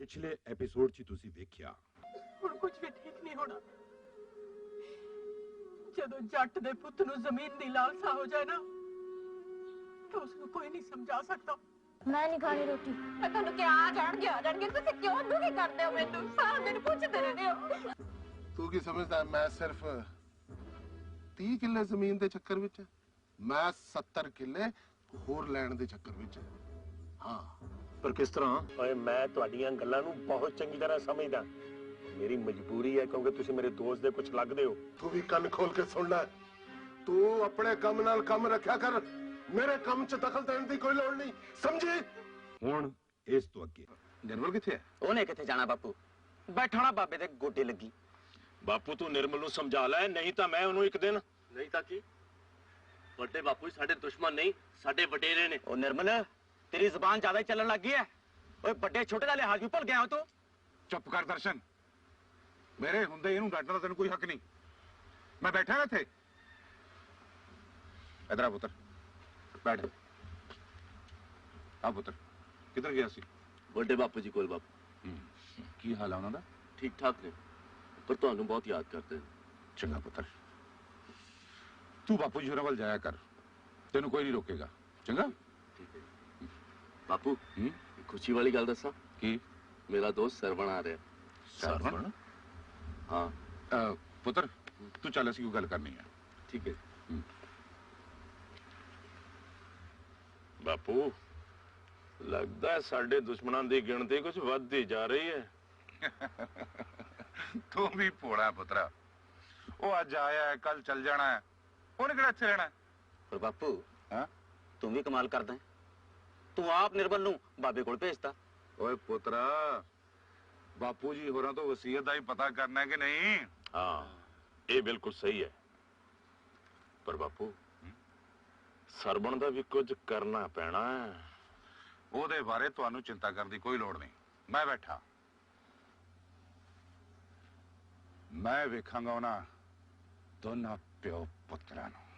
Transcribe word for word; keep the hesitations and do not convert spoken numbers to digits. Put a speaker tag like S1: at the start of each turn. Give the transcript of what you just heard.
S1: पिछले एपिसोड च तुसी वेख्या
S2: हुण कुछ भी ठीक नहीं होना। जदों जट दे पुत्त नूं जमीन दी लालसा हो जाए ना तो उसको कोई नहीं समझा सकता।
S3: मैं नहीं खानी रोटी।
S4: मैं तुहानू क्या आ जाणगे आ जाणगे तुसी क्यों दुखी करदे हो मैनू सारा दिन पुछदे रहंदे हो।
S5: तू की समझदा मैं सिर्फ तीस किले जमीन दे चक्कर विच मैं सत्तर किले होर लैण दे चक्कर विच। हाँ
S6: पर किस तरह? ओए मैं तुहाडीआं गल्लां नूं बहुत चंगी तरह समझदा। मेरी मजबूरी है क्योंकि तुसी मेरे दोस्त दे कुछ लगदे हो।
S5: तू भी कान खोल के सुन ले। तू अपने कम नाल कम रखा कर, मेरे कम च दखल देने की कोई लोड़ नहीं, समझी?
S1: हुण इस तो अगे
S7: निर्मल किथे है?
S8: ओने किथे जाना बापू, बैठा बाबे दे गोडे लगी।
S6: बापू तू निर्मल नूं समझा लै, नहीं तां मैं ओनू एक दिन।
S9: नहीं तां की? बड़े बापू साडे दुश्मन नहीं, साडे वडेरे ने।
S8: ओ निर्मल तेरी जुबान ज्यादा ही चलन लग गई है। ओए बड़े छोटे दा लिहाज भी भुल गया हो तू।
S7: चुप कर दर्शन, मेरे हुंदे इहनू डांटण दा तैनूं कोई हक नहीं। मैं बैठा हां इत्थे। इधर आ पुत्र, बैठ। आ पुत्र, किधर गया सी?
S9: बड़े बापू जी कोल बापू।
S7: की हाल है उन्हां दा?
S9: ठीक ठाक ने, पर तुहानू बहुत याद करते हैं।
S7: चंगा पुत्र, तू बापू जी होरां वल जाया कर, तेनू कोई नहीं रोकेगा। चंगा?
S9: ठीक है बापू। खुशी वाली गल दसा
S7: की?
S9: मेरा दोस्त सरवण आ रहा है।
S7: सरवण?
S9: हाँ
S7: आ, पुत्र तू चल, असीं कोई गल करनी है।
S9: ठीक है
S6: बापू लगदा है साडे दुश्मनां दी गिणती कुछ वधदी जा रही है।
S7: तू भी भोला पुत्रा, वो अज आया है कल चल जाना है, उन्हें किहड़ा इत्थे रहना है।
S8: पर बापू
S7: हाँ?
S8: तू भी कमाल करदा है, तू आप निर्मल नूं बाबे कोल भेजता।
S7: ओए पुत्रा, बापू जी होरां तो वसीयत दा ही पता करना है कि नहीं?
S6: हाँ ये बिल्कुल सही है, पर बापू सरवण दा भी कुछ करना पैना है।
S7: ਉਹਦੇ ਬਾਰੇ ਤੁਹਾਨੂੰ चिंता करने की कोई लोड़ नहीं, मैं बैठा। मैं वेखांगा उन्हां दोनों प्यो पुत्रां नूं।